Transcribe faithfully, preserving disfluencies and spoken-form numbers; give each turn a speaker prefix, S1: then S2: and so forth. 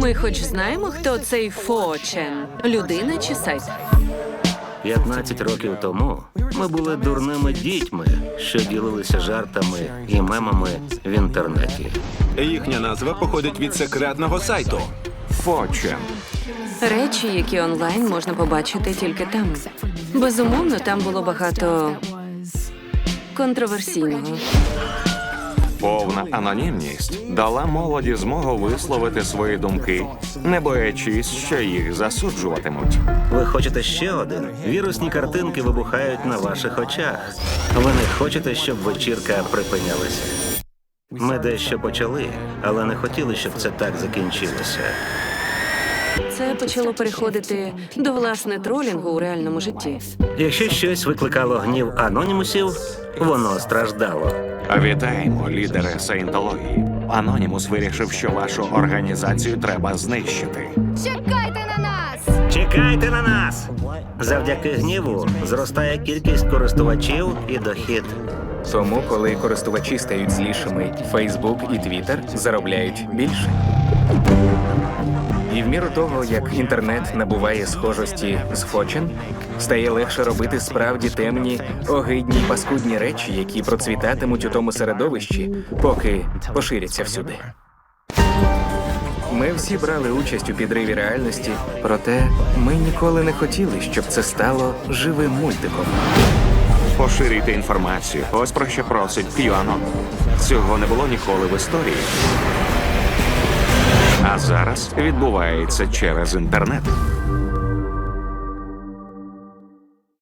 S1: Ми хоч знаємо, хто цей Фочен? Людина чи сайт?
S2: п'ятнадцять років тому ми були дурними дітьми, що ділилися жартами і мемами в інтернеті.
S3: Їхня назва походить від секретного сайту.
S4: Фочен.
S1: Речі, які онлайн можна побачити тільки там. Безумовно, там було багато контроверсійного.
S4: Повна анонімність дала молоді змогу висловити свої думки, не боячись, що їх засуджуватимуть.
S2: Ви хочете ще один? Вірусні картинки вибухають на ваших очах. Ви не хочете, щоб вечірка припинялася. Ми дещо почали, але не хотіли, щоб це так закінчилося.
S1: Це почало переходити до, власне, тролінгу у реальному житті.
S2: Якщо щось викликало гнів анонімусів, воно страждало.
S4: Вітаємо, лідери саєнтології. Анонімус вирішив, що вашу організацію треба знищити.
S5: Чекайте на нас!
S2: Чекайте на нас! Завдяки гніву зростає кількість користувачів і дохід.
S6: Тому, коли користувачі стають злішими, Facebook і Twitter заробляють більше. І в міру того, як інтернет набуває схожості з Фочен, стає легше робити справді темні, огидні й паскудні речі, які процвітатимуть у тому середовищі, поки поширяться всюди. Ми всі брали участь у підриві реальності, проте ми ніколи не хотіли, щоб це стало живим мультиком.
S4: Поширюйте інформацію. Ось про що просить QAnon. Цього не було ніколи в історії. А зараз відбувається через інтернет.